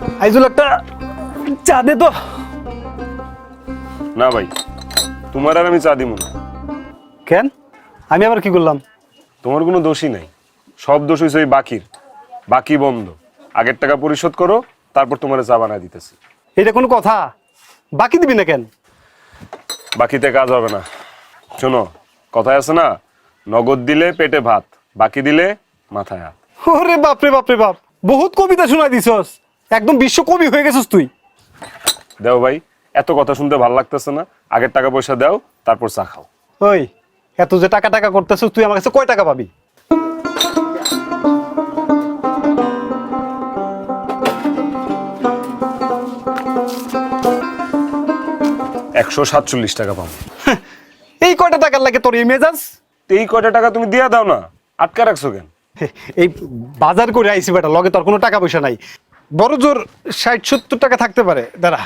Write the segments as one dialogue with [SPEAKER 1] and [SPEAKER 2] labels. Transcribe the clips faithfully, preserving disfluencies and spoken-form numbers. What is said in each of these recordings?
[SPEAKER 1] আইজুল একটা চা দে তো।
[SPEAKER 2] না ভাই, তোমার আর আমি চা দিব না।
[SPEAKER 1] কেন? আমি আবার কি করলাম?
[SPEAKER 2] তোমার কোনো দোষই নাই, সব দোষ হয়েছে ওই বাকির। বাকি বন্ধ, আগের টাকা পরিশোধ করো, তারপর তোমার চা বানায় দিতেছি।
[SPEAKER 1] এটা কোনো কথা? বাকি দিবি না কেন?
[SPEAKER 2] বাকিতে কাজ হবে না। শোনো, কথায় আছে না, নগদ দিলে পেটে ভাত, বাকি দিলে মাথায় হাত।
[SPEAKER 1] ওরে বাপ রে বাপ রে বাপ, বহুত কবিতা শোনাই দিছস, একদম বিশ্ব কবি হয়ে গেছিস তুই।
[SPEAKER 2] দেও ভাই, এত কথা শুনতে ভালো লাগতেছে না, আগের টাকা পয়সা দাও, তারপর চা খাও।
[SPEAKER 1] ওই এত যে টাকা টাকা করতেছিস, তুই আমার কাছে কয় টাকা পাবি?
[SPEAKER 2] একশো সাতচল্লিশ টাকা পাবো।
[SPEAKER 1] এই কয়টা টাকার লাগে তোর এই মেজাজ?
[SPEAKER 2] এই কয়টা টাকা তুমি দিয়া দাও না, আটকা রাখছো কেন?
[SPEAKER 1] এই বাজার করে আইসি বেটা, লগে তোর কোনো টাকা পয়সা নাই। বড় জোর ষাট সত্তর টাকা থাকতে পারে, দাঁড়া।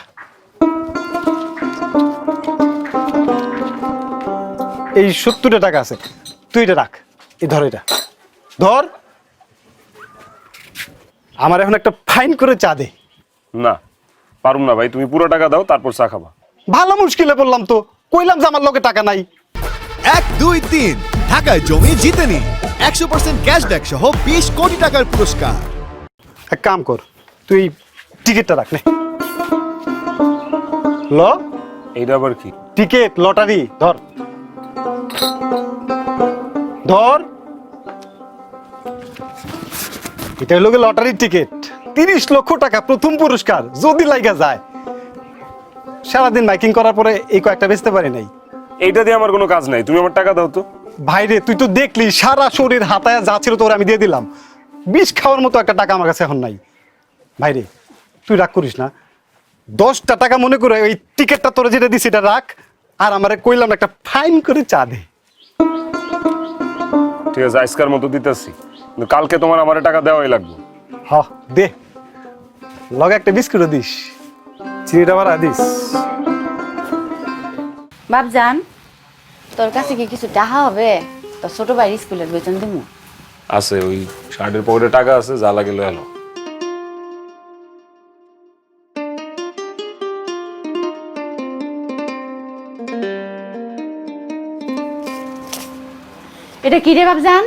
[SPEAKER 1] এই সত্তরটা টাকা আছে, তুই এটা রাখ। এই ধর, এটা ধর। আমার এখন একটা ফাইন করে চা দে।
[SPEAKER 2] না পারুম না ভাই, তুমি পুরো টাকা দাও, তারপর চা খাবা।
[SPEAKER 1] ভালো মুশকিলে পড়লাম তো, কইলাম যে আমার লগে টাকা নাই।
[SPEAKER 3] এক দুই তিন ঢাকায় জমি জিতে নি একশো পার্সেন্ট ক্যাশব্যাক সহ বিশ কোটি টাকার পুরস্কার।
[SPEAKER 1] এক কাম কর, তুই টিকিটটা রাখ নে। ল,
[SPEAKER 2] এইটা আবার কি?
[SPEAKER 1] টিকিট লটারি, ধর ধর। এটা হলো লটারির টিকিট, তিরিশ লক্ষ টাকা প্রথম পুরস্কার, যদি লাইগা যায়। সারাদিন মাইকিং করার পরে এই কয়েকটা বেচতে পারি নাই।
[SPEAKER 2] এইটা দিয়ে আমার কোনো কাজ নাই, তুমি আমার টাকা দাও তো।
[SPEAKER 1] ভাইরে, তুই তো দেখলি সারা শরীর হাতায় যা ছিল তোর আমি দিয়ে দিলাম। বিষ খাওয়ার মতো একটা টাকা আমার কাছে এখন নাই। ভাইরে তুই রাগ করিস না, দশটা টাকা মনে করে ওই টিকিটটা তোরা যেটা দিস এটা রাখ, আর আমারে কইলাম একটা ফাইন করে চা দে।
[SPEAKER 2] ঠিক আছে, আজকার মতো দিতেছি, কিন্তু কালকে তোমার আমার টাকা দেওয়াই লাগবে।
[SPEAKER 1] হ দে, লগে একটা বিস্কুটও দিস, চিনিটা বাড়া দিস।
[SPEAKER 4] বাপজান, তোর কাছে কি কিছু টাকা হবে? তোর ছোট ভাই স্কুলের বেতন দিমু।
[SPEAKER 2] আছে, ওই শার্টের পকেটে টাকা আছে, যা লাগে লয়ে এলো।
[SPEAKER 4] এটা কি রে বাপজান?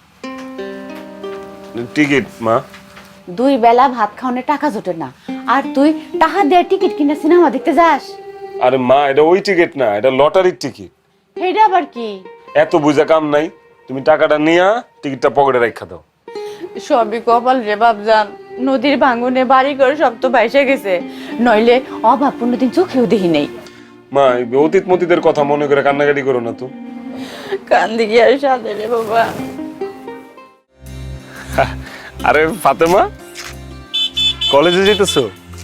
[SPEAKER 2] টিকিট মা।
[SPEAKER 4] দুই বেলা ভাত খাওয়ানোর টাকা জোটে না, আর তুই টাকা দিয়ে টিকিট কিনে সিনেমা দেখতে যাস?
[SPEAKER 2] আরে মা, এটা ওই টিকিট না, এটা লটারির টিকিট।
[SPEAKER 4] এটা আবার কি?
[SPEAKER 2] এত বুঝা কাম নাই, তুমি টাকাটা নিয়া টিকিটটা পকেটে রাখা দাও।
[SPEAKER 4] সবই কপাল রে বাপজান, নদীর ভাঙনে বাড়ি ঘর সব তো ভাইসে গেছে, নইলে অভাব কোনোদিন চোখেও দেখি নেই।
[SPEAKER 2] মা, এই অতীত মতীতের কথা মনে করে কান্নাকাটি করো না তো।
[SPEAKER 4] কান্দি কি আর সাথে রে বাবা।
[SPEAKER 2] আরে ফাতেমা, কলেজে যেতেছো?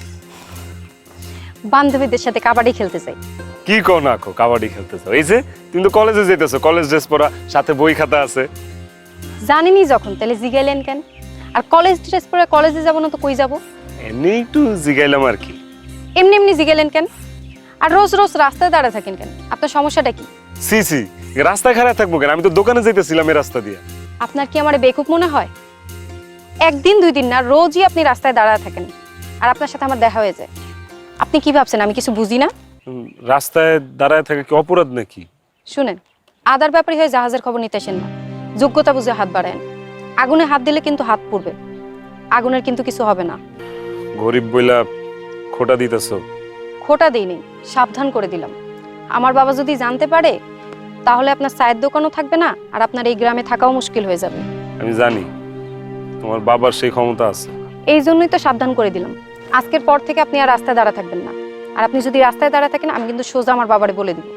[SPEAKER 5] বান্ধবীদের সাথে কাবাডি খেলতে চাই।
[SPEAKER 2] কি কো না কো, কাবাডি খেলতেছো? এই যে তুমি তো কলেজে যেতেছো, কলেজ ড্রেস পরা, সাথে বই খাতা আছে।
[SPEAKER 5] জানিনি যখন, তাহলে জিগাইলেন কেন? আর কলেজ ড্রেস পরে কলেজে যাবো না তো কই যাব?
[SPEAKER 2] এমনি একটু জিগাইলাম আর কি।
[SPEAKER 5] এমনি এমনি জিগাইলেন কেন? আর রোজ রোজ রাস্তায় দাঁড়ায় থাকেন কেন? আপনার সমস্যাটা কি?
[SPEAKER 2] সি সি, রাস্তায় খারাপ থাকবো কেন? আমি তো দোকানে যেতেছিলাম এই রাস্তা দিয়ে।
[SPEAKER 5] আপনার কি আমার বেকুব মনে হয়? একদিন দুই দিন না, রোজই আপনি রাস্তায় দাঁড়ায় থাকেন, আর আপনার সাথে আমার দেখা হয়ে যায়। আপনি কি ভাবছেন আমি কিছু বুঝি না?
[SPEAKER 2] উম, রাস্তায় দাঁড়ায় থাকা কি অপরাধ নাকি?
[SPEAKER 5] শুনেন, আদার ব্যাপারী হয়ে জাহাজের খবর নিতে আসেন না, যোগ্যতা বুঝে হাত বাড়ায়েন। আগুনে হাত দিলে কিন্তু হাত পুড়বে, আগুনের কিন্তু কিছু হবে না।
[SPEAKER 2] গরিব বইলা খোটা দিতেছো?
[SPEAKER 5] খোটা দিইনি, সাবধান করে দিলাম। আমার বাবা যদি জানতে পারে, তাহলে আপনার চায়ের দোকানও থাকবে না, আর আপনার এই গ্রামে থাকাও মুশকিল হয়ে যাবে।
[SPEAKER 2] আমি জানি তোমার বাবার সেই ক্ষমতা আছে।
[SPEAKER 5] এই জন্যই তো সাবধান করে দিলাম। আজকের পর থেকে আপনি আর রাস্তায় দাঁড়া থাকবেন না, আর আপনি যদি রাস্তায় দাঁড়া থাকেন, আমি কিন্তু সোজা আমার বাবারে বলে দিব।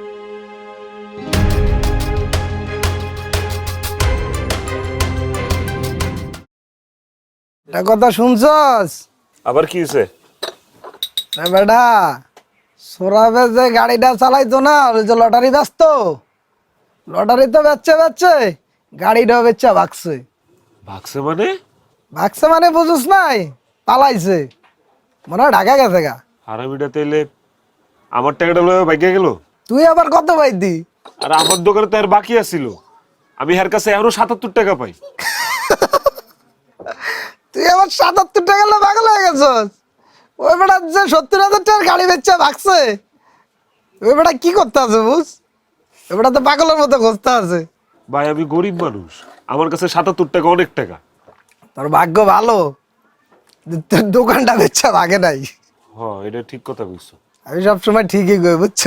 [SPEAKER 6] এটা কথা শুনছস?
[SPEAKER 2] আবার কি হয়েছে?
[SPEAKER 6] না বেটা, সোরাবে যে গাড়িটা চালাইতো না, ওই যে লটারি ব্যস্ত, লটারি তো বেচছে বেচছে, গাড়িটাও বেচছে ভাগছে।
[SPEAKER 2] ভাগছে মানে?
[SPEAKER 6] ভাগছে মানে বুঝুস নাই, পালাইছে, মনে হয় ঢাকা গেছে গা।
[SPEAKER 2] হারামিটা তেলে আমার টাকাটা লয়ে ভাগিয়া গেল।
[SPEAKER 6] তুই আবার কত পাইতি?
[SPEAKER 2] আর আমার দোকানে তো আর বাকি আছিল, আমি এর কাছে আরো সাতাত্তর টাকা পাই।
[SPEAKER 6] তুই আবার সাতাত্তর টাকা পাগল হয়ে গেছস? ওই বেটা যে সত্তর হাজার টাকার গাড়ি বেচা ভাগছে, ওই বেটা কি করতে আছে বুঝ? ওই বেটা তো পাগলের মতো খুঁজতে আছে।
[SPEAKER 2] ভাই আমি গরিব মানুষ, আমার কাছে সাতাত্তর টাকা অনেক টাকা।
[SPEAKER 6] তোর ভাগ্য ভালো যে তোর দোকানটা বেচা ভাগে নাই।
[SPEAKER 2] হ্যাঁ এটা ঠিক কথা বুঝছো।
[SPEAKER 6] আমি সবসময় ঠিকই কই, বুঝছো?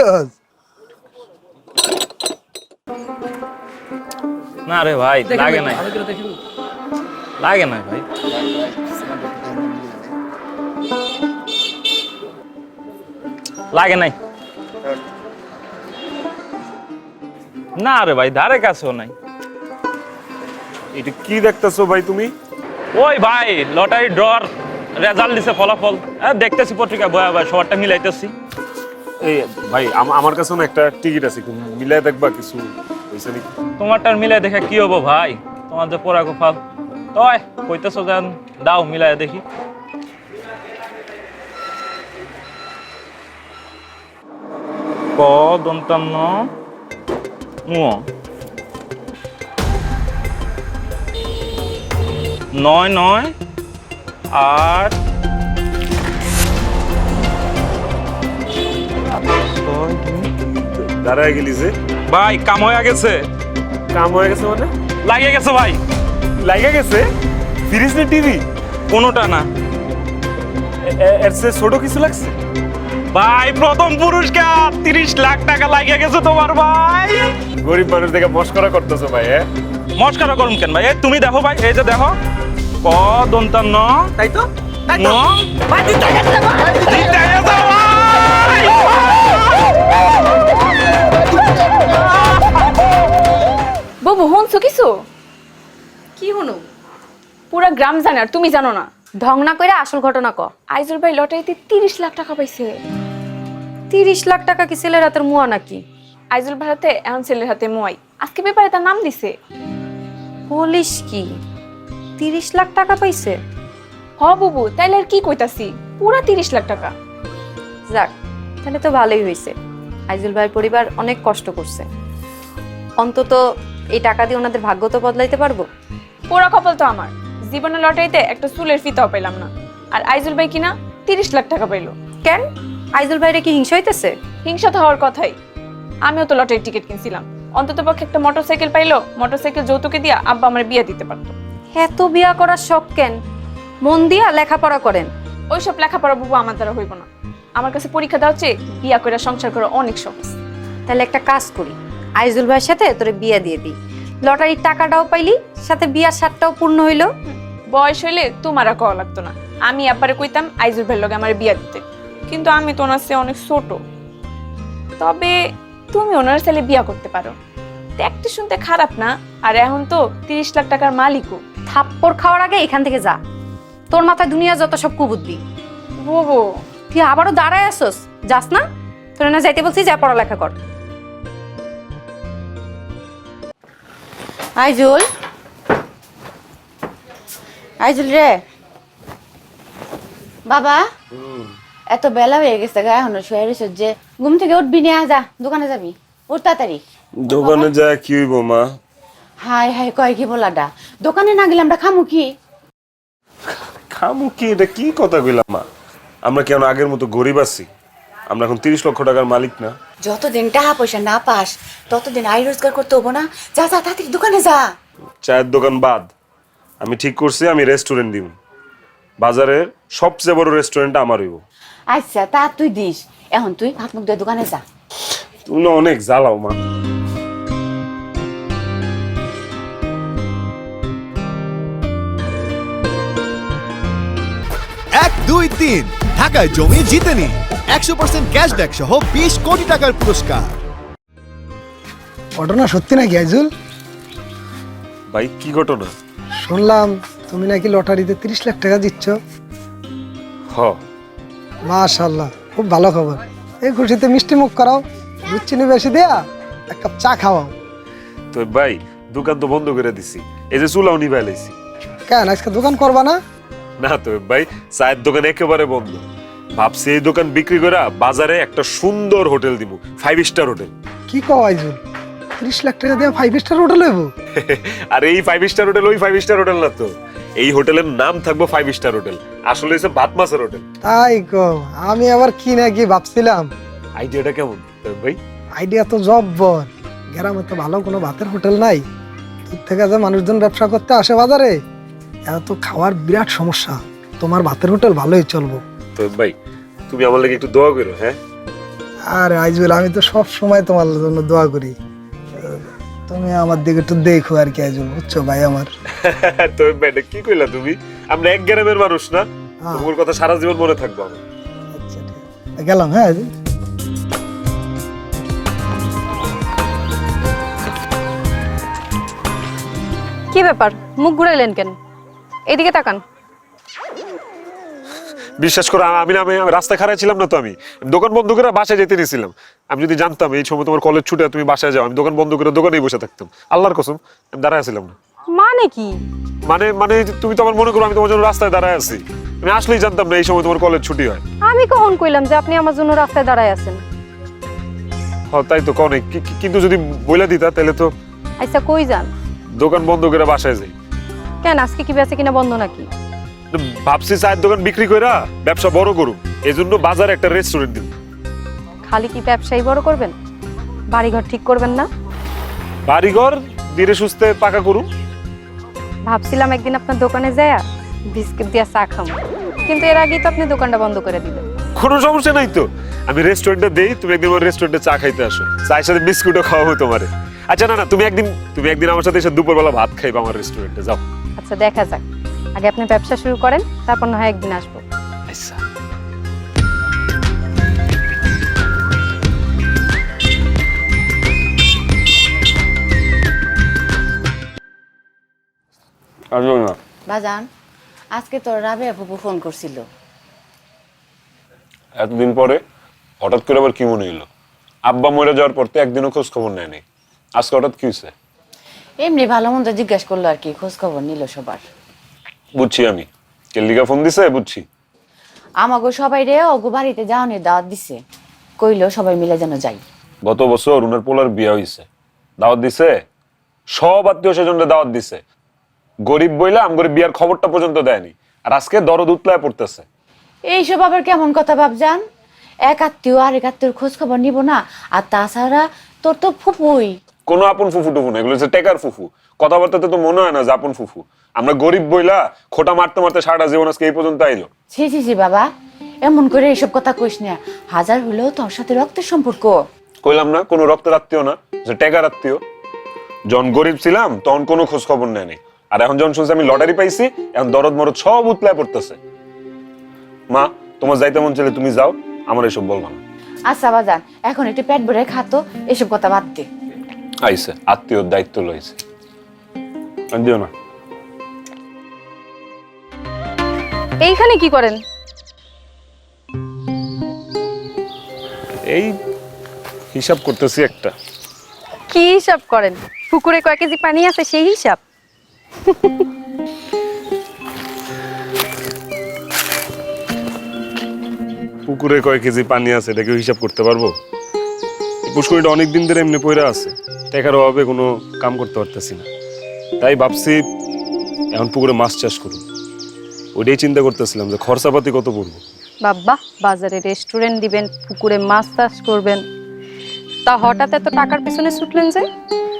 [SPEAKER 7] না রে ভাই, লাগে নাই, লাগে না ভাই। লাগে নাই না রে ভাই, ধারে কাছেও নাই।
[SPEAKER 2] এটা কি দেখতেছো ভাই তুমি?
[SPEAKER 7] ওই ভাই লটারি ড্রর রেজাল্ট দিছে, ফলাফল হ্যাঁ দেখতেছি পত্রিকা বয়া ভাই, সবারটা মিলাইতেছি।
[SPEAKER 2] এই ভাই আম- আমার কাছে না একটা টিকিট আছে, একটু মিলাই দেখবা কিছু হইছে নাকি?
[SPEAKER 7] তোমারটার মিলাই দেখে কি হবো ভাই, তোমার যে পড়া গোফাল। তয় কইতেছো যেন দাও মিলাই দেখি। ক দন্তান্ন নুয় নয় নয় আট ছয় দুই।
[SPEAKER 2] দাঁড়ায় গেলি যে?
[SPEAKER 7] ভাই কাম হয়ে গেছে,
[SPEAKER 2] কাম হয়ে গেছে মানে?
[SPEAKER 7] লাগিয়ে গেছে ভাই।
[SPEAKER 2] লাগা গেছে? ফ্রিজ না টিভি?
[SPEAKER 7] কোনোটা না
[SPEAKER 2] এর চেয়ে ছোট কিছু লাগছে?
[SPEAKER 7] ভাই, প্রথম পুরস্কার তিরিশ লাখ টাকা লাগিয়ে গেছে তোমার ভাই।
[SPEAKER 2] গরিব মানুষ দেখে মস্করা করতেছো ভাই। হ্যাঁ
[SPEAKER 7] মস্কারা করুন কেন ভাই? এই তুমি দেখো ভাই, এই যে দেখো ক দন্তান্ন
[SPEAKER 6] তাই তো
[SPEAKER 7] ন জিতে গেছে ভাই।
[SPEAKER 4] বাবু হনছো কিছু?
[SPEAKER 5] কি হনু?
[SPEAKER 4] পুরা গ্রাম জানে আর তুমি জানো না।
[SPEAKER 5] ঢং না কইরা আসল ঘটনা ক।
[SPEAKER 4] আইজুল ভাই লটারিতে তিরিশ লাখ টাকা পাইছে।
[SPEAKER 5] তিরিশ লাখ টাকা কি ছেলের হাতের মুয়া নাকি?
[SPEAKER 4] আইজুল ভাই হাতে এখন ছেলের হাতে মোয়াই, আজকে পেপারে তার নাম দিছে।
[SPEAKER 5] বলিস কি, তিরিশ লাখ টাকা পাইছে?
[SPEAKER 4] হ বাবু, তাইলে আর কি কইতাছি, পুরা তিরিশ লাখ টাকা।
[SPEAKER 5] যাক, তাহলে তো ভালোই হয়েছে। আইজুল ভাইয়ের পরিবার অনেক কষ্ট করছে, অন্তত এই টাকা দিয়ে ওনাদের ভাগ্য তো বদলাইতে পারবো।
[SPEAKER 4] পুরা কপাল তো আমার, জীবনে লটারিতে একটা চুলের ফিতাও পেলাম না, আর আইজুল ভাই কিনা তিরিশ লাখ টাকা পাইলো।
[SPEAKER 5] কেন, আইজুল ভাইরে কি হিংসা হইতেছে?
[SPEAKER 4] হিংসা তো হওয়ার কথাই, আমিও তো লটারির টিকিট কিনছিলাম, অন্তত পক্ষে একটা মোটরসাইকেল পাইলো, মোটরসাইকেল যৌতুকে দিয়া আব্বা আমার বিয়ে দিতে পারতো।
[SPEAKER 5] এত বিয়া করার শখ কেন? মন দিয়া লেখাপড়া করেন।
[SPEAKER 4] ওইসব লেখাপড়া বাবু আমার দ্বারা হইব না, আমার কাছে পরীক্ষা দেওয়া হচ্ছে বিয়া করে সংসার করা অনেক সহজ।
[SPEAKER 5] তাহলে একটা কাজ করি, আইজুল ভাইয়ের সাথে তোরে বিয়া দিয়ে দিই, লটারির টাকাটাও পাইলি, সাথে বিয়ার স্বাদটাও পূর্ণ হইলো।
[SPEAKER 4] বয়স হইলে তোমার আর কওয়া লাগতো না, আমি আব্বারে কইতাম আইজুল ভাইয়ের লগে আমার বিয়া দিতে, কিন্তু আমি তো ওনার চেয়ে অনেক ছোট। তবে তুমি ওনার ছেলে বিয়া করতে পারো, দেখতে শুনতে খারাপ না, আর এখন তো তিরিশ লাখ টাকার মালিকও।
[SPEAKER 5] থাপ্পড় খাওয়ার আগে এখান থেকে যা, তোর মাথায় দুনিয়া যত সব কুবুদ্ধি।
[SPEAKER 4] বাবু
[SPEAKER 5] তুই আবারও দাঁড়ায় আসোস, যাস না? তোর না যাইতে বলছি, যা পড়ালেখা কর।
[SPEAKER 4] আইজুল, আইজুল রে বাবা, এত বেলা হয়ে গেছে গা, এখনো শুয়ে রয়েছ যে, ঘুম থেকে উঠবি না, যা দোকানে যাবি, উঠ তাড়াতাড়ি।
[SPEAKER 2] দোকানে যায় কি হইব মা?
[SPEAKER 4] হাই হাই কয় কি বলাডা, দোকানে না গেলে আমরা খামু কি?
[SPEAKER 2] খামু কি? এটা কি কথা কইলাম মা? আমরা কেন আগের মতো গরিব আছি? আমরা এখন তিরিশ লক্ষ টাকার মালিক না।
[SPEAKER 8] যতদিন টাকা পয়সা না পাস ততদিন আয় রোজগার করতে হবো না। যা যা তাড়াতাড়ি দোকানে যা।
[SPEAKER 2] চায়ের দোকান বাদ, আমি ঠিক করছি আমি রেস্টুরেন্ট দিব। বাজারের সবচেয়ে বড় রেস্টুরেন্ট আমার হইব।
[SPEAKER 8] আচ্ছা তা তুই দিস, এখন তুই হাত মুখ দিয়ে দোকানে যা।
[SPEAKER 2] তুমি না অনেক জ্বালাও মা।
[SPEAKER 3] এক দুই তিন ঢাকায় জমি জিতে নিন একশো পার্সেন্ট ক্যাশব্যাক সহ বিশ কোটি টাকার পুরস্কার।
[SPEAKER 6] ঘটনা সত্যি নাকি আইজুল?
[SPEAKER 2] ভাই কি ঘটনা?
[SPEAKER 6] শুনলাম তুমি নাকি লটারিতে তিরিশ লাখ টাকা জিতছ।
[SPEAKER 2] হ,
[SPEAKER 6] মাশাআল্লাহ, খুব ভালো খবর। এই খুশিতে মিষ্টি মুখ করাও, দুধ চিনি বেশি দেয়া এক কাপ চা খাওয়াও।
[SPEAKER 2] তো ভাই দোকান তো বন্ধ করে দিছি, এই যে চুলাও নিভাই লাইছি।
[SPEAKER 6] কেন আজকে দোকান করবা না?
[SPEAKER 2] না তো ভাই, চায়ের দোকান একেবারে বন্ধ। ভাবছি এই দোকান বিক্রি করে বাজারে একটা সুন্দর হোটেল দিব, ফাইভ স্টার হোটেল।
[SPEAKER 6] কি কও আইজুল, তিরিশ লাখ টাকা দিয়ে ফাইভ স্টার হোটেল হইব?
[SPEAKER 2] আর এই ফাইভ স্টার হোটেল ওই ফাইভ স্টার হোটেল না তো, এই হোটেলের নাম থাকবো ফাইভ স্টার হোটেল, আসলে হচ্ছে ভাত মাছের হোটেল।
[SPEAKER 6] তাই কো, আমি আবার কি না কি ভাবছিলাম।
[SPEAKER 2] আইডিয়াটা কেমন ভাই?
[SPEAKER 6] আইডিয়া তো জব্বর। গ্রামে তো ভালো কোনো ভাতের হোটেল নাই, দূর থেকে যে মানুষজন ব্যবসা করতে আসে বাজারে, এত খাওয়ার বিরাট সমস্যা। তোমার ভাতের হোটেল ভালোই চলবো।
[SPEAKER 2] তো ভাই তুমি আমার লাগে একটু দোয়া করো। হ্যাঁ
[SPEAKER 6] আর আইজুল, আমি তো সব সময় তোমার জন্য দোয়া করি, তুমি আমার দিকে একটু দেখো আর কি আইজুল, বুঝছো ভাই আমার।
[SPEAKER 2] তো ভাই এটা কি কইলা তুমি? আমরা এক গ্রামের মানুষ না, তোমার কথা সারা জীবন মনে থাকবো আমার।
[SPEAKER 6] আচ্ছা ঠিক আছে, গেলাম। হ্যাঁ আইজুল।
[SPEAKER 5] কি ব্যাপার, মুখ ঘুরাইলেন কেন? এদিকে তাকান।
[SPEAKER 2] বিশ্বাস করো, আমি না আমি রাস্তায় খাড়াই ছিলাম না তো, আমি দোকান বন্ধ করে বাসায় যেতে নিয়েছিলাম। আমি যদি জানতাম এই সময় তোমার কলেজ ছুটে তুমি বাসায় যাও, আমি দোকান বন্ধ করে দোকানেই বসে থাকতাম। আল্লাহর কসম আমি দাঁড়ায় ছিলাম না।
[SPEAKER 5] মানে কি?
[SPEAKER 2] মানে মানে তুমি তো আমার মনে করো আমি তোমার জন্য রাস্তায় দাঁড়ায় আছি। আমি আসলেই জানতাম না এই সময় তোমার কলেজ ছুটি হয়।
[SPEAKER 5] আমি কখন কইলাম যে আপনি আমার জন্য রাস্তায় দাঁড়ায় আছেন?
[SPEAKER 2] হ্যাঁ তাই তো কনে, কিন্তু যদি বইলা দিতা তাহলে তো।
[SPEAKER 5] আচ্ছা কই যান?
[SPEAKER 2] দোকান বন্ধ করে বাসায় যাই।
[SPEAKER 5] কেন, আজকে কি বেচে কিনা বন্ধ নাকি?
[SPEAKER 2] ভাবছি চায়ের দোকান বিক্রি কইরা ব্যবসা বড় করুম, এই জন্য বাজারে একটা রেস্টুরেন্ট দিব।
[SPEAKER 5] খালি কি ব্যবসায়ী বড় করবেন, বাড়িঘর ঠিক করবেন না?
[SPEAKER 2] বাড়িঘর ধীরে সুস্থে পাকা করুম।
[SPEAKER 5] ভাবছিলাম একদিন আপনার দোকানে যায়া বিস্কিট দিয়া চা খাম, কিন্তু এর আগেই তো আপনি দোকানটা বন্ধ করে দিলেন।
[SPEAKER 2] কোনো সমস্যা নাই তো, আমি রেস্টুরেন্টে দেই, তুমি একদিন আমার রেস্টুরেন্টে চা খাইতে আসো, চায়ের সাথে বিস্কুটও খাওয়াবো তোমারে। আচ্ছা না না, তুমি একদিন তুমি একদিন আমার সাথে এসে দুপুরবেলা ভাত খাইবা আমার রেস্টুরেন্টে, যাও।
[SPEAKER 5] আচ্ছা দেখা যাক, আগে আপনি ব্যবসা শুরু করেন, তারপর না হয় একদিন আসবো।
[SPEAKER 2] আচ্ছা আসবো না।
[SPEAKER 8] বাজান, আজকে তোর রাবেয়া ফুপু ফোন করছিল।
[SPEAKER 2] এতদিন পরে হঠাৎ করে আবার কি মনে হলো? আব্বা মরে যাওয়ার পর তো একদিনও খোঁজ খবর নেয়নি, আজকে হঠাৎ কি হয়েছে?
[SPEAKER 8] এমনি ভালো মন্দ জিজ্ঞেস করলো আর কি, খোঁজ খবর নিল সবার।
[SPEAKER 2] বুঝছি আমি, কেল্লিকা ফোন দিছে, বুঝছি।
[SPEAKER 8] আমাগো সবাই রে ওগো বাড়িতে যাওয়ানোর দাওয়াত দিছে, কইলো সবাই মিলে যেন যাই।
[SPEAKER 2] গত বছর উনার পোলার বিয়া হইছে, দাওয়াত দিছে, সব আত্মীয় স্বজনরা দাওয়াত দিছে। গরিব বইলা আমগরে বিয়ার খবরটা পর্যন্ত দেয়নি, আর আজকে দরদ উতলায় পড়তেছে।
[SPEAKER 8] এইসব আবার কেমন কথা ভাবজান? এক আত্মীয় আরেক আত্মীয়র খোঁজ খবর নিব না? আর তাছাড়া তোর তো ফুপুই।
[SPEAKER 2] কোনো আপন ফুফু টুফু না, এগুলো হচ্ছে টেকার ফুফু। কথাবার্তাতে তো মনে হয় না যে আপন ফুফু। আমরা গরিব বইলা খোটা মারতে মারতে সারাটা জীবন আজকে এই পর্যন্ত আইলো।
[SPEAKER 8] ছি ছি ছি বাবা, এমন করে এইসব কথা কইস না। হাজার হলেও তোর সাথে রক্তের সম্পর্ক।
[SPEAKER 2] কইলাম না কোনো রক্তের আত্মীয় না, যে টেকার আত্মীয়। যখন গরিব ছিলাম তখন কোনো খোঁজ খবর নেয়নি, আর এখন যখন শুনছি আমি লটারি পাইছি, এখন দরদ মরদ সব উতলায় পড়তেছে। মা, তোমার যাইতে মন চাইলে তুমি যাও, আমার এসব বলবা না।
[SPEAKER 8] আচ্ছা বাজান, এখন একটু পেট ভরে খাতো, এসব কথা বাদ দে।
[SPEAKER 2] আইসে আত্মীয়র দায়িত্ব লইছে, আর দিও না।
[SPEAKER 5] এইখানে কি করেন?
[SPEAKER 2] এই হিসাব করতেছি একটা।
[SPEAKER 5] কি হিসাব করেন? পুকুরে কয় কেজি পানি আছে সেই হিসাব?
[SPEAKER 2] পুকুরে কয় কেজি পানি আছে এটা কেউ হিসাব করতে পারবো? পুষ্করিটা অনেকদিন ধরে এমনি পয়রা আছে, টাকার অভাবে কোনো কাম করতে পারতেছি না। তাই ভাবছি এখন পুকুরে মাছ চাষ করুন। ওইটাই চিন্তা করতেছিলাম যে খরচাপাতি কত পড়বো।
[SPEAKER 5] বাবা, বাজারে রেস্টুরেন্ট দিবেন, পুকুরে মাছ চাষ করবেন, তা হঠাৎ এত টাকার পিছনে ছুটলেন যে?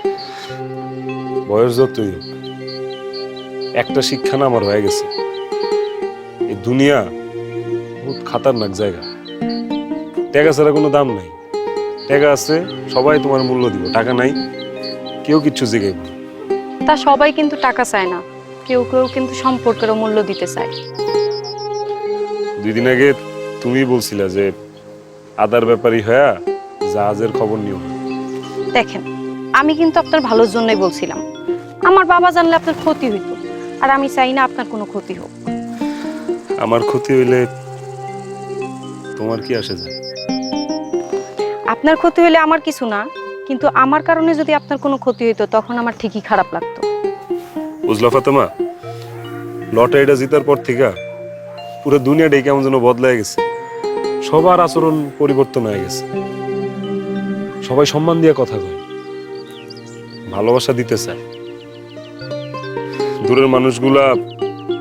[SPEAKER 2] বয়স যতই হোক, একটা শিক্ষা না আমার হয়ে গেছে, এই দুনিয়া বহুত খাতারনাক জায়গা। টাকা ছাড়া কোনো দাম নাই। টাকা আছে সবাই তোমার মূল্য দিব, টাকা নাই কেউ কিচ্ছু জিগাইব না।
[SPEAKER 5] তা সবাই কিন্তু টাকা চায় না, কেউ কেউ কিন্তু সম্পর্কেরও মূল্য দিতে চায়।
[SPEAKER 2] দুই দিন আগে তুমি বলছিলা যে আদার ব্যাপারী হয়া জাহাজের খবর নিও না।
[SPEAKER 5] দেখেন, আমি কিন্তু আপনার ভালোর জন্যই বলছিলাম। আমার বাবা জানলে আপনার ক্ষতি হইতো, আর আমি চাই না আপনার কোনো ক্ষতি হোক।
[SPEAKER 2] আমার ক্ষতি হইলে তোমার কি আসে যায়?
[SPEAKER 5] আপনার ক্ষতি হইলে আমার কিছু না, কিন্তু আমার কারণে যদি আপনার কোনো ক্ষতি হইতো তখন আমার ঠিকই খারাপ লাগতো।
[SPEAKER 2] বুঝলা ফাতেমা, লটারিটা জিতার পর থেকে পুরো দুনিয়াটাই কেমন যেন বদলায় গেছে। সবার আচরণ পরিবর্তন হয়ে গেছে, সবাই সম্মান দিয়ে কথা কয়, ভালোবাসা দিতে চায়। দূরের মানুষগুলা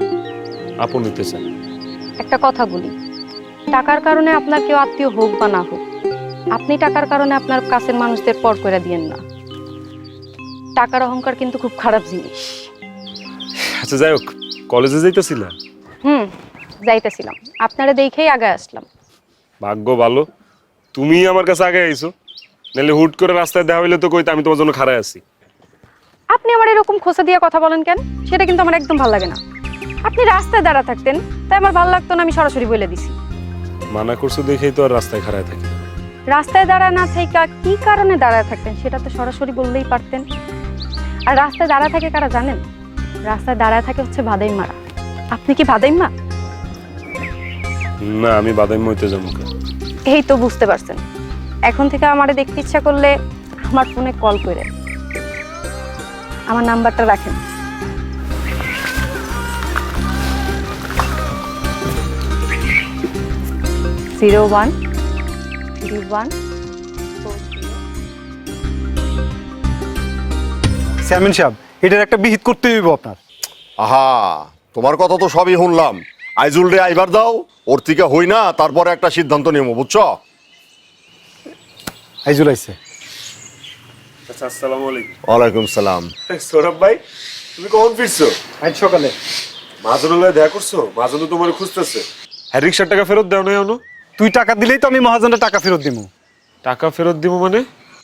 [SPEAKER 2] আপন নিতে চান।
[SPEAKER 5] একটা কথা বলি, টাকার কারণে আপনার কেউ আত্মীয় হোক বা না হোক, আপনি টাকার কারণে আপনার কাছের মানুষদের পর করে দিয়েন না। টাকার অহংকার কিন্তু খুব খারাপ জিনিস।
[SPEAKER 2] আচ্ছা যাই হোক, কলেজে যাইতেছিলা?
[SPEAKER 5] হুম, যাইতেছিলাম, আপনারা দেখেই আগে আসলাম।
[SPEAKER 2] ভাগ্য ভালো তুমি আমার কাছে আগে আইছো, নাহলে হুট করে রাস্তায় দেখা হইলে তো কইতে আমি তোমার জন্য খাড়ায় আছি।
[SPEAKER 5] আপনি আমার এরকম খোসা দিয়ে কথা বলেন কেন? সেটা কিন্তু আমার একদম ভালো লাগে না। আপনি রাস্তায় দাঁড়া থাকতেন, তাই আমার ভালো লাগতো না, আমি সরাসরি বলে দিছি।
[SPEAKER 2] মানা করছো দেখেই তো আর রাস্তায় খাড়ায় থাকি।
[SPEAKER 5] রাস্তায় দাঁড়া না থেকে কি কারণে দাঁড়ায় থাকতেন সেটা তো সরাসরি বললেই পারতেন। আর রাস্তায় দাঁড়া থাকে কারা জানেন? রাস্তায় দাঁড়ায় থাকে হচ্ছে ভাদাইমারা। আপনি কি ভাদাইমা?
[SPEAKER 2] না, আমি বাদামি মইতে যাবো।
[SPEAKER 5] এই তো বুঝতে পারছেন। এখন থেকে আমারে দেখতে ইচ্ছা করলে আমার ফোনে কল করে, আমার নাম্বারটা রাখেন। Zero one three one
[SPEAKER 1] chairman সাহেব, এটার একটা বিহিত করতে হইব আপনার।
[SPEAKER 9] আহা, তোমার কথা তো সবই শুনলাম। আইজুল রে আইবার দাও, ওর থেকে হই না তারপরে একটা সিদ্ধান্ত নিব, বুঝছো?
[SPEAKER 1] আইজুল আইছে।
[SPEAKER 2] আচ্ছা, আসসালামু আলাইকুম।
[SPEAKER 9] ওয়ালাইকুম সালাম।
[SPEAKER 2] সৌরভ ভাই, তুমি কখন ফিরছো?
[SPEAKER 1] আজ সকালে।
[SPEAKER 2] মাহাজনের দেখা করছো? মাহাজন তো তোমার খুঁজতেছে। হ্যাঁ, রিক্সার টাকা ফেরত দাও না এখনো?
[SPEAKER 1] তুই টাকা দিলেই তো আমি মহাজনের টাকা ফেরত দিব।
[SPEAKER 2] টাকা ফেরত দিব মানে?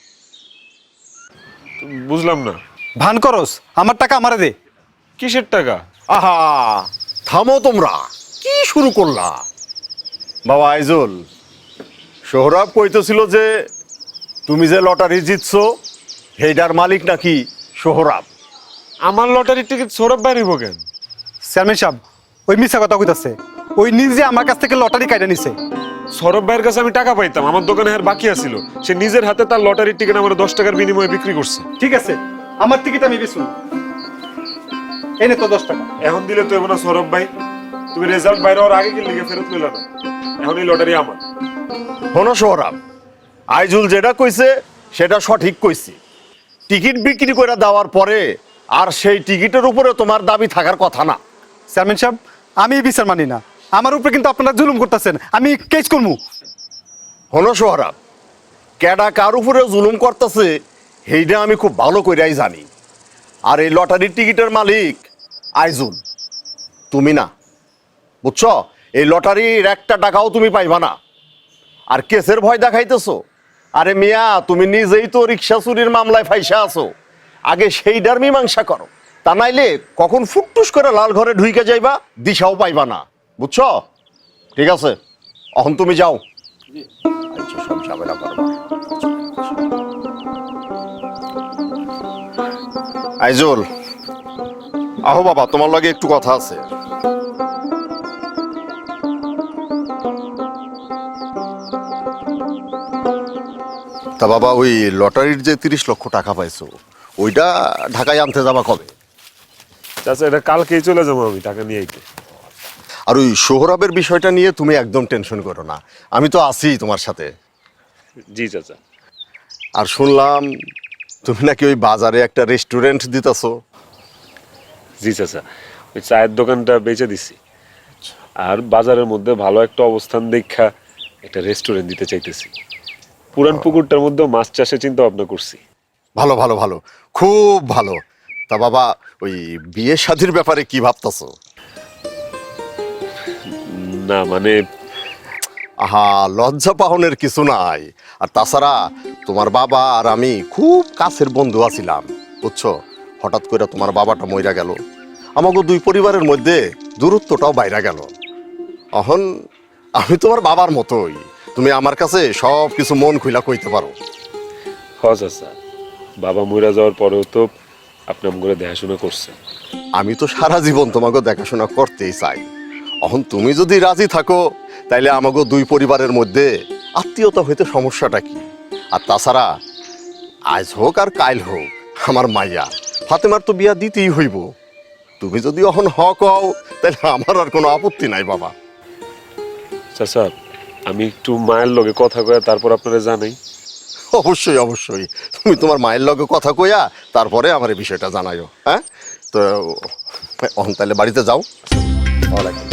[SPEAKER 2] বুঝলাম না।
[SPEAKER 1] ভান করস, আমার টাকা আমারে দে।
[SPEAKER 2] কিসের টাকা?
[SPEAKER 9] আহা, থামো তোমরা, কি শুরু করলা? বাবা আইজুল, সোহরাব কইতেছিল যে তুমি যে লটারি জিতছো সেইটার মালিক নাকি সোহরাব।
[SPEAKER 2] আমার লটারির টিকিট সৌরভ ভাই নিব কেন?
[SPEAKER 1] চেয়ারম্যান সাহেব, ওই মিথ্যা কথা কইতাছে। ওই নিজে আমার কাছ থেকে লটারি কাইটা নিছে।
[SPEAKER 2] সৌরভ ভাইয়ের কাছে আমি টাকা পাইতাম, আমার দোকানে আর বাকি আছিল। সে নিজের হাতে তার লটারির টিকিট আমার দশ টাকার বিনিময়ে বিক্রি করছে।
[SPEAKER 1] ঠিক আছে, আমার টিকিট আমি বেচুন। এনে তো দশ টাকা।
[SPEAKER 2] এখন দিলে তো না সৌরভ ভাই, তুমি রেজাল্ট বাইরে হওয়ার আগে কি লিগে ফেরত নিল না? এখন এই লটারি আমার।
[SPEAKER 9] শোনো সোহরাব, আইজুল যেটা কইছে সেটা সঠিক কইছে। টিকিট বিক্রি করে দেওয়ার পরে আর সেই টিকিটের উপরে তোমার দাবি থাকার কথা না।
[SPEAKER 1] চেয়ারম্যান সাহেব, আমি এই বিচার মানি না। আমার উপরে কিন্তু আপনারা জুলুম করতেছেন, আমি কেস করবো।
[SPEAKER 9] শোনো সোহরাব, কেডা কার উপরে জুলুম করতেছে সেইটা আমি খুব ভালো কইরাই জানি। আর এই লটারির টিকিটের মালিক আইজুল, তুমি না, বুঝছো? এই লটারির একটা টাকাও তুমি পাইবা না। আর কেসের ভয় দেখাইতেছো? আরে মিয়া, তুমি নিজেই তো রিক্সা চুরির মামলায় ফাইসা আছো। আগে সেইটার মীমাংসা করো, তা নাইলে কখন ফুটটুস করে লাল ঘরে ঢুইকে যাইবা দিশাও পাইবা না, বুঝছো? ঠিক আছে, এখন তুমি যাও। আচ্ছা, সব ঝামেলা করবা। আইজুল, আহো বাবা, তোমার লগে একটু কথা আছে। তা বাবা, ওই লটারির যে তিরিশ লক্ষ টাকা পাইছো, ওইটা ঢাকায় আনতে যাবা কবে?
[SPEAKER 2] চাচা, এটা কালকেই চলে যাবো আমি টাকা নিয়ে আইতে।
[SPEAKER 9] আর ওই সোহরাবের বিষয়টা নিয়ে তুমি একদম টেনশন করো না, আমি তো আছি তোমার সাথে।
[SPEAKER 2] জি চাচা।
[SPEAKER 9] আর শুনলাম তুমি নাকি ওই বাজারে একটা রেস্টুরেন্ট দিতেছো।
[SPEAKER 2] জি চাচা, ওই চায়ের দোকানটা বেচে দিছি, আর বাজারের মধ্যে ভালো একটা অবস্থান দেখা একটা রেস্টুরেন্ট দিতে চাইতেছি। পুরান পুকুরটার মধ্যে মাছ চাষে চিন্তা ভাবনা করছি।
[SPEAKER 9] ভালো ভালো ভালো, খুব ভালো। তা বাবা, ওই বিয়ে শাদির ব্যাপারে কি ভাবতেছো?
[SPEAKER 2] না মানে,
[SPEAKER 9] আহা, লজ্জা পাহনের কিছু নাই। আর তাছাড়া তোমার বাবা আর আমি খুব কাছের বন্ধু আছিলাম, বুঝছো? হঠাৎ করে তোমার বাবাটা মইরা গেল, আমাকে দুই পরিবারের মধ্যে দূরত্বটাও বাইরা গেল। এখন আমি তোমার বাবার মতোই, তুমি আমার কাছে সব কিছু মন খুইলা কইতে পারো।
[SPEAKER 2] হ চাচা, বাবা মইরা যাওয়ার পরেও তো আপনি আমগরে দেখাশোনা করছেন।
[SPEAKER 9] আমি তো সারা জীবন তোমাকে দেখাশোনা করতেই চাই। এখন তুমি যদি রাজি থাকো তাইলে আমাকে দুই পরিবারের মধ্যে আত্মীয়তা হইতে সমস্যাটা কি? আর তাছাড়া আজ হোক আর কাইল হোক আমার মাইয়া ফাতেমার তো বিয়া দিতেই হইব। তুমি যদি এখন হ কও তাহলে আমার আর কোনো আপত্তি নাই বাবা।
[SPEAKER 2] চাচা, আমি একটু মায়ের লগে কথা কয়ে তারপর আপনারা জানাই।
[SPEAKER 9] অবশ্যই অবশ্যই, তুমি তোমার মায়ের লগে কথা কইয়া তারপরে আমার এই বিষয়টা জানাইও। হ্যাঁ, তো এখন তাহলে বাড়িতে যাও। ওয়ালাইকুম।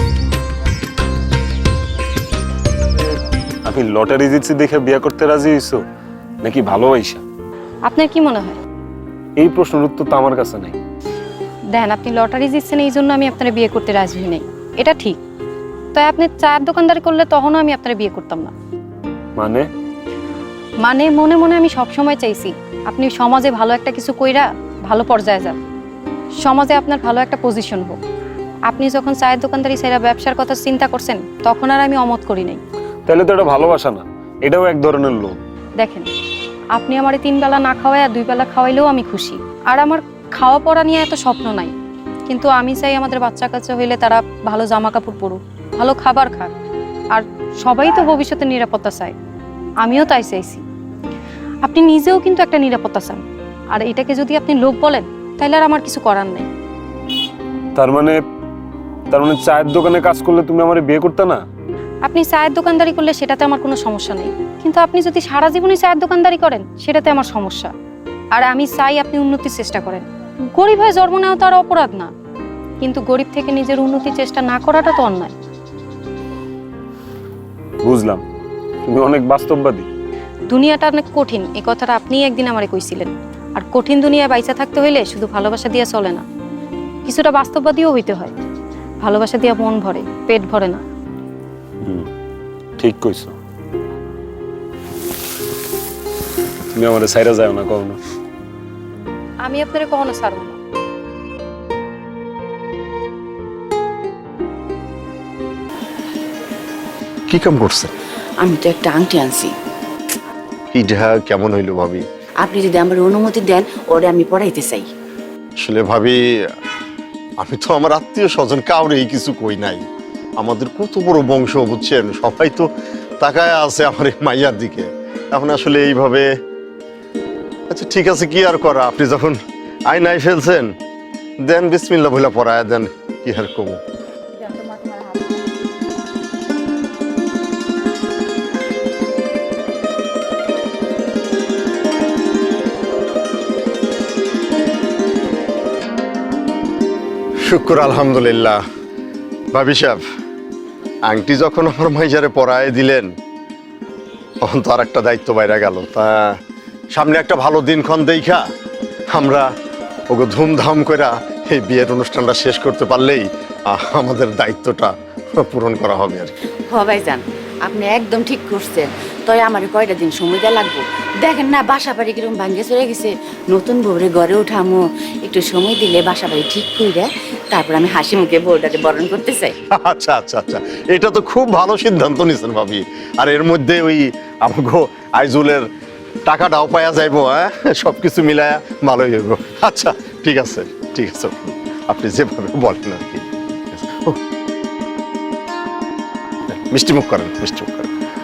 [SPEAKER 2] আমি লটারি জিতছি দেখে বিয়ে করতে রাজি হইছো নাকি ভালোবাসা?
[SPEAKER 5] আপনার কি মনে হয়?
[SPEAKER 2] এই প্রশ্নের উত্তর তো আমার কাছে নাই।
[SPEAKER 5] দেখেন, আপনি লটারি জিতছেন এই জন্য আমি আপনার বিয়ে করতে রাজি হই নাই, এটা ঠিক। তাই আপনি চায়ের দোকানদারি করলে তখনও আমি আপনার বিয়ে করতাম না।
[SPEAKER 2] মানে
[SPEAKER 5] মানে মনে মনে আমি সব সময় চাইছি আপনি সমাজে ভালো একটা কিছু কইরা ভালো পর্যায়ে যান, সমাজে আপনার ভালো একটা পজিশন হোক। আপনি যখন চায়ের দোকানদারি সেরা ব্যবসার কথা চিন্তা করছেন তখন আর আমি অমত করি নাই।
[SPEAKER 2] তাহলে তো এটা ভালোবাসা না, এটাও এক ধরনের লোভ।
[SPEAKER 5] দেখেন, আপনি আমার তিন বেলা না খাওয়াই আর দুই বেলা খাওয়াইলেও আমি খুশি। আর আমার খাওয়া পড়া নিয়ে এত স্বপ্ন নাই, কিন্তু আমি চাই আমাদের বাচ্চা কাচ্চা হইলে তারা ভালো জামা কাপড় পরুক, ভালো খাবার খাক। আর সবাই তো ভবিষ্যতে নিরাপত্তা চায়, আমিও তাই চাইছি। আপনি নিজেও কিন্তু একটা নিরাপত্তা চান, আর এটাকে যদি আপনি লোভ বলেন তাহলে আর আমার কিছু করার নেই।
[SPEAKER 2] তার মানে তার মানে চায়ের দোকানে কাজ করলে তুমি আমার বিয়ে করতে না?
[SPEAKER 5] আপনি চায়ের দোকানদারি করলে সেটাতে আমার কোনো সমস্যা নেই, কিন্তু আপনি যদি সারা জীবনই চায়ের দোকানদারি করেন সেটাতে আমার সমস্যা। আর আমি চাই আপনি উন্নতির চেষ্টা করেন। গরিব হয়ে জন্ম নেওয়া তো আর অপরাধ না, কিন্তু গরিব থেকে নিজের উন্নতির চেষ্টা না করাটা তো অন্যায়।
[SPEAKER 2] বুঝলাম, তুমি অনেক বাস্তববাদী।
[SPEAKER 5] দুনিয়াটা অনেক কঠিন, এই কথাটা আপনিই একদিন আমারে কইছিলেন। আর কঠিন দুনিয়ায় বাইচা থাকতে হইলে শুধু ভালোবাসা দিয়ে চলে না, কিছুটা বাস্তববাদীও হইতে হয়। ভালোবাসা দিয়ে মন ভরে, পেট ভরে না।
[SPEAKER 2] হুম, ঠিক কইছো। তুমি আমার সাইরা যাও না কখনো।
[SPEAKER 5] আমি আপনারে কখনো ছাড়ব না।
[SPEAKER 9] কি কাম করছে?
[SPEAKER 8] আমি তো একটা আংটি আনছি,
[SPEAKER 9] এটা কেমন হইলো ভাবি?
[SPEAKER 8] আপনি যদি আমার অনুমতি দেন ওরে আমি পড়াইতে চাই।
[SPEAKER 9] আসলে ভাবি, আমি তো আমার আত্মীয় স্বজন কাউরেই কিছু কই নাই। আমাদের কত বড় বংশ বুঝছেন, সবাই তো তাকায় আছে আমার এই মাইয়ার দিকে। এখন আসলে এইভাবে, আচ্ছা ঠিক আছে, কি আর করা, আপনি যখন আইনাই ফেলছেন দেন বিসমিল্লাহ বলে পড়ায় দেন, কি আর কমু। শুক্র আলহামদুলিল্লাহ। ভাবি সাহেব, আংটি যখন আমার মাইজারে পরায় দিলেন তখন তো আর একটা দায়িত্ব বাইরে গেল। তা সামনে একটা ভালো দিনক্ষণ দেখা আমরা ওকে ধুমধাম করে এই বিয়ের অনুষ্ঠানটা শেষ করতে পারলেই আহ, আমাদের দায়িত্বটা পূরণ করা হবে আর কি।
[SPEAKER 8] হ ভাইজান, আপনি একদম ঠিক করছেন। তবে আমার কয়টা দিন সময় দেওয়া লাগবো। দেখেন না বাসা বাড়ি কিরকম ভাঙ্গে চলে গেছে, নতুন বউরে ঘরে উঠামো, একটু সময় দিলে বাসা বাড়ি ঠিক করে তারপর আমি হাসি মুখে বউটাকে বরণ করতে চাই।
[SPEAKER 9] আচ্ছা আচ্ছা আচ্ছা, এটা তো খুব ভালো সিদ্ধান্ত নিয়েছেন ভাবি। আর এর মধ্যে ওই আমাকে আইজুলের টাকাটাও পাওয়া যাইব, হ্যাঁ সবকিছু মিলায়া ভালোই হইব। আচ্ছা ঠিক আছে ঠিক আছে, আপনি যেভাবে বলেন আর কি। ও, মিষ্টি মুখ করেন, মিষ্টি মুখ করেন।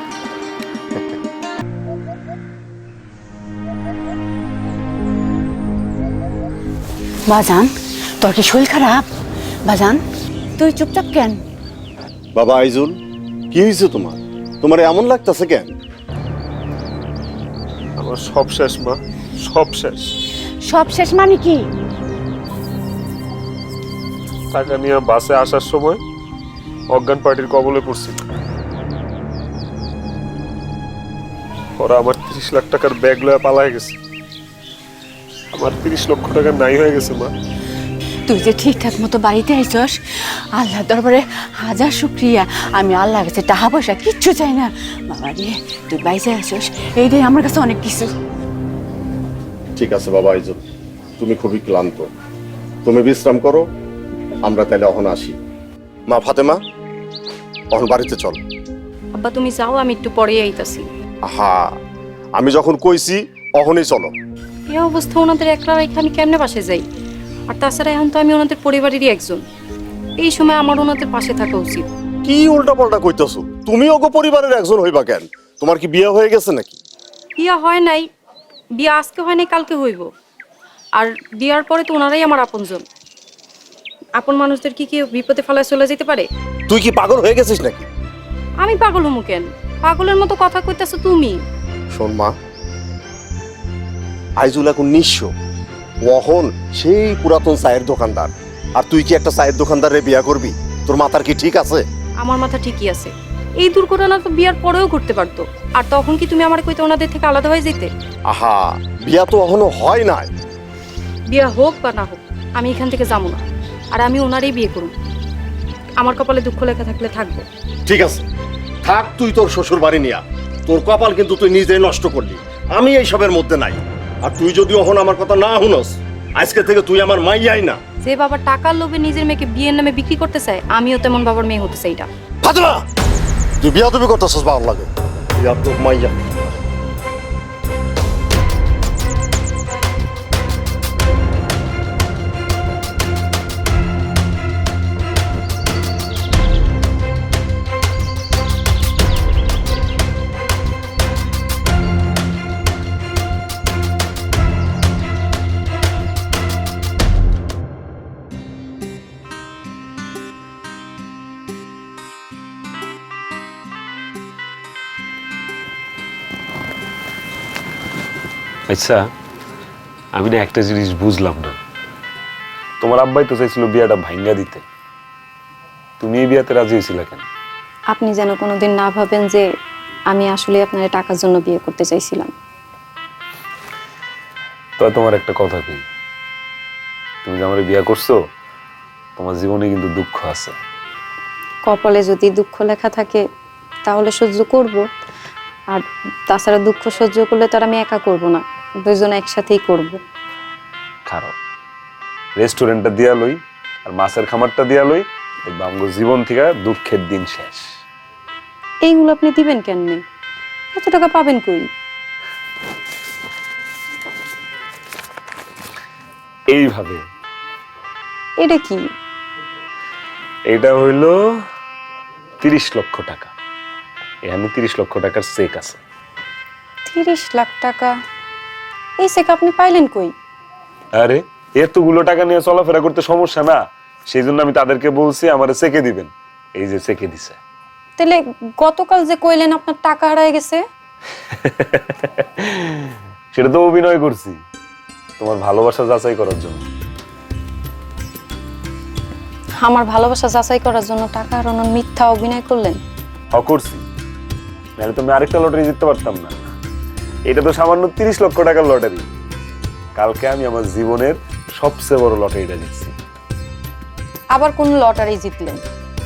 [SPEAKER 8] বাজান, তোর কি শরীর খারাপ? বাজান, তুই চুপচাপ কেন?
[SPEAKER 9] বাবা আইজুল, কি হয়েছে তোমার? তোমার এমন লাগতেছে কেন?
[SPEAKER 2] আমার সব শেষ মা, সব শেষ।
[SPEAKER 8] সব শেষ মানে কি?
[SPEAKER 2] টাকা নিয়ে বাসে আসার সময় অজ্ঞান পার্টির কবলে পড়ছি। ওরা আমার তিরিশ লাখ টাকার ব্যাগ লয়ে পালায় গেছে। আমার তিরিশ লক্ষ টাকা নাই হয়ে গেছে মা।
[SPEAKER 8] তুই যে ঠিকঠাক মতো বাড়িতে আইছস, আল্লাহ দরবারে হাজার শুক্রিয়া। আমি আল্লাহ কাছে টাকা পয়সা কিচ্ছু চাই না। বাবা রে, তুই বাইসে আসছস, এইটাই আমার কাছে অনেক কিছু।
[SPEAKER 9] ঠিক আছে বাবা আইজুল, তুমি খুবই ক্লান্ত, তুমি বিশ্রাম করো, আমরা তাহলে অহন আসি। মা ফাতেমা, অহন বাড়িতে চল।
[SPEAKER 5] আব্বা তুমি যাও, আমি একটু পরেই আইতাছি।
[SPEAKER 9] আহা, আমি যখন কইছি অহনই চলো।
[SPEAKER 5] এই অবস্থা ওনাদের একলা রেখে আমি কেমনে পাশে যাই? আর তাছাড়া এখন তো আমি ওনাদের পরিবারেরই একজন, এই সময় আমার ওনাদের পাশে থাকা উচিত।
[SPEAKER 9] কি উল্টা পাল্টা কইতেছো? তুমি ওগো পরিবারের একজন হইবা কেন? তোমার কি বিয়ে হয়ে গেছে নাকি?
[SPEAKER 5] বিয়া হয় নাই, বিয়া আজকে হয় নাই, কালকে হইব। আর বিয়ার পরে তো ওনারাই আমার আপনজন। আপন মানুষদের কি কেউ বিপদে ফেলায় চলে যেতে পারে?
[SPEAKER 9] তুই কি পাগল হয়ে গেছিস নাকি?
[SPEAKER 5] আমি পাগল হমু কেন? পাগলের মতো কথা কইতাছো তুমি।
[SPEAKER 9] শোন মা, আইজুল এখন নিঃস্ব, ওহন সেই পুরাতন চায়ের দোকানদার। আর তুই কি একটা চায়ের দোকানদারে বিয়া করবি? তোর মাথার কি ঠিক আছে?
[SPEAKER 5] আমার মাথা ঠিকই আছে। এই দুর্ঘটনা তো বিয়ার পরেও ঘটতে পারতো। আর তখন কি তুমি আমার কইতে ওনাদের থেকে আলাদা হয়ে যেতে?
[SPEAKER 9] আহা, বিয়া তো এখনো হয় নাই।
[SPEAKER 5] বিয়া হোক বা না হোক, আমি এখান থেকে যাবো না। আর আমি ওনারই বিয়ে করব। আমার কপালে দুঃখ লেখা থাকলে থাকবো।
[SPEAKER 9] ঠিক আছে, থাক তুই তোর শ্বশুর বাড়ি নিয়া। তোর কপাল কিন্তু তুই নিজেই নষ্ট করলি। আমি এইসবের মধ্যে নাই। আর তুই যদি এখন আমার কথা না শুনস, আজকে থেকে তুই আমার মাইয়াই না।
[SPEAKER 5] যে বাবা টাকার লোভে নিজের মেয়েকে বিয়ের নামে বিক্রি করতে চায়, আমিও তেমন বাবার মেয়ে হতে চাই এটা।
[SPEAKER 9] ফাতেমা, তুই বিয়া তুমি করতেছস ভালো লাগে। বিয়া তো মাইয়া।
[SPEAKER 2] আচ্ছা, আমি না একটা জিনিস বুঝলাম না। তোমার আব্বাই তো চাইছিল বিয়াটা ভাঙ্গা দিতে, তুমি এই বিয়াতে রাজি হয়েছিল কেন?
[SPEAKER 5] আপনি যেন কোনোদিন না ভাবেন যে আমি আসলে আপনার টাকার জন্য বিয়ে করতে চাইছিলাম।
[SPEAKER 2] তো তোমার একটা কথা কি, তুমি যে আমার বিয়া করছো, তোমার জীবনে কিন্তু দুঃখ আছে।
[SPEAKER 5] কপালে যদি দুঃখ লেখা থাকে তাহলে সহ্য করব। আর তাছাড়া দুঃখ সহ্য করলে তো আর আমি একা করব না, দুইজন একসাথেই করব।
[SPEAKER 2] খারাপ রেস্টুরেন্টটা দিয়া লই আর মাছের খামারটা দিয়া লই, দেখবা আমগো জীবন থেকে দুঃখের দিন শেষ।
[SPEAKER 5] এইগুলো আপনি দিবেন কেননে? এত টাকা পাবেন কই?
[SPEAKER 2] এইভাবে।
[SPEAKER 5] এটা কি?
[SPEAKER 2] এটা হইল তিরিশ লক্ষ টাকা। এখানে তিরিশ লক্ষ টাকার চেক আছে।
[SPEAKER 5] তিরিশ লাখ টাকা? এই চেক আপনি পাইলেন কই?
[SPEAKER 2] আরে এতগুলো টাকা নিয়ে চলাফেরা করতে সমস্যা না, সেই জন্য আমি তাদেরকে বলছি আমার চেকে দিবেন। এই যে চেকে দিছে।
[SPEAKER 5] তাহলে গতকাল যে কইলেন আপনার টাকা হারায় গেছে?
[SPEAKER 2] সেটা তো অভিনয় করছি তোমার ভালোবাসা যাচাই করার জন্য।
[SPEAKER 5] আমার ভালোবাসা যাচাই করার জন্য টাকা হারানোর মিথ্যা অভিনয় করলেন?
[SPEAKER 2] হ করছি, নাহলে তো আমি আরেকটা লটারি জিততে পারতাম না। এটা তো সামান্য তিরিশ লক্ষ টাকার লটারি। কালকে আমি আমার জীবনের সবচেয়ে বড় লটারিটা জিতছি।
[SPEAKER 5] আবার কোন লটারি জিতলেন?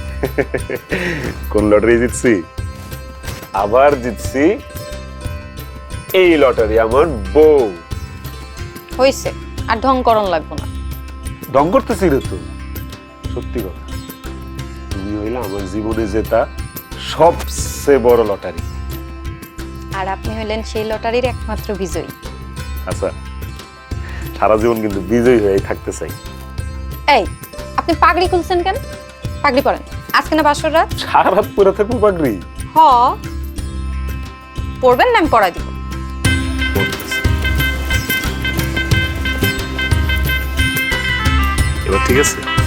[SPEAKER 2] কোন লটারি জিতছি? আবার জিতছি এই লটারি, আমার বউ।
[SPEAKER 5] হইছে, আর ঢং করন লাগবো না।
[SPEAKER 2] ঢং করতেছি রে তো, সত্যি কথা। তুমি হইলে আমার জীবনে জেতা সবচেয়ে বড় লটারি।
[SPEAKER 5] আর আপনি হইলেন সেই লটারির একমাত্র বিজয়ী।
[SPEAKER 2] আচ্ছা, সারা জীবন কিন্তু বিজয়ী হয়ে থাকতে চাই।
[SPEAKER 5] এই, আপনি পাগড়ি খুলছেন কেন? পাগড়ি পরেন, আজকে না বাসর রাত।
[SPEAKER 2] সারা রাত পরে থাকবো পাগড়ি?
[SPEAKER 5] হ, পরবেন না আমি পরাই দিব।
[SPEAKER 2] এবার ঠিক আছে?